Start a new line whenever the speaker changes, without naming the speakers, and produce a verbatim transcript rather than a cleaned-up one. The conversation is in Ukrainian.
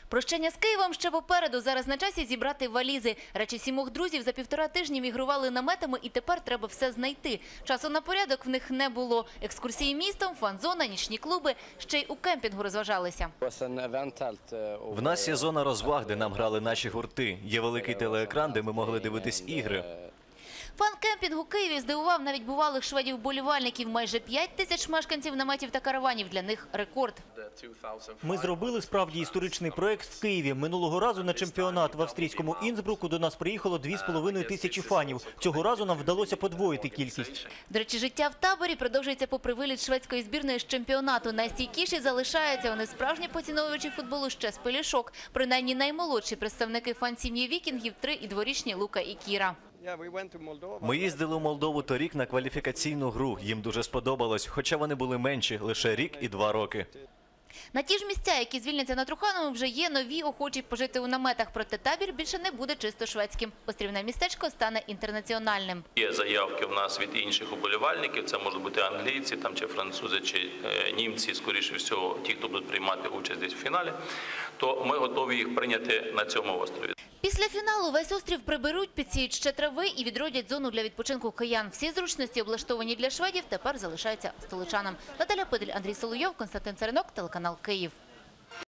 Прощання з Києвом ще попереду. Зараз на часі зібрати валізи. Речі сімох друзів за півтора тижні мігрували наметами і тепер треба все знайти. Часу на порядок в них не було. Екскурсії містом, фан-зона, нічні клуби. Ще й у кемпінгу розважалися.
В нас є зона розваг, де нам грали наші гурти. Є великий телеекран, де ми могли дивитись ігри.
Фан-кемпінг у Києві здивував навіть бувалих шведів-болівальників. Майже п'ять тисяч мешканців наметів та караванів. Для них рекорд.
Ми зробили справді історичний проєкт в Києві. Минулого разу на чемпіонат в австрійському Інсбруку до нас приїхало дві з половиною тисячі фанів. Цього разу нам вдалося подвоїти кількість.
До речі, життя в таборі продовжується попри виліт шведської збірної з чемпіонату. Найстійкіші залишаються. Вони справжні поціновувачі футболу ще з пелюшок. Принаймні наймолодші представники фан-сім'ї вікінгів – три і дворічні Лука і Кіра.
Ми їздили у Молдову торік на кваліфікаційну гру. Їм дуже сподобалось, хоча вони були менші – лише рік і два роки.
На ті ж місця, які звільняться на Трухановому, вже є нові охочі пожити у наметах. Проте табір більше не буде чисто шведським. Острівне містечко стане інтернаціональним.
Є заявки у нас від інших уболівальників. Це можуть бути англійці, там, чи французи, чи е, німці, скоріше всього, ті, хто будуть приймати участь десь в фіналі. То ми готові їх прийняти на цьому острові.
Після фіналу весь острів приберуть, підсіють ще трави і відродять зону для відпочинку киян. Всі зручності, облаштовані для шведів, тепер залишаються столичанам. Наталя Пидель, Андрій Соловйов, Константин Царинок, телеканал Київ.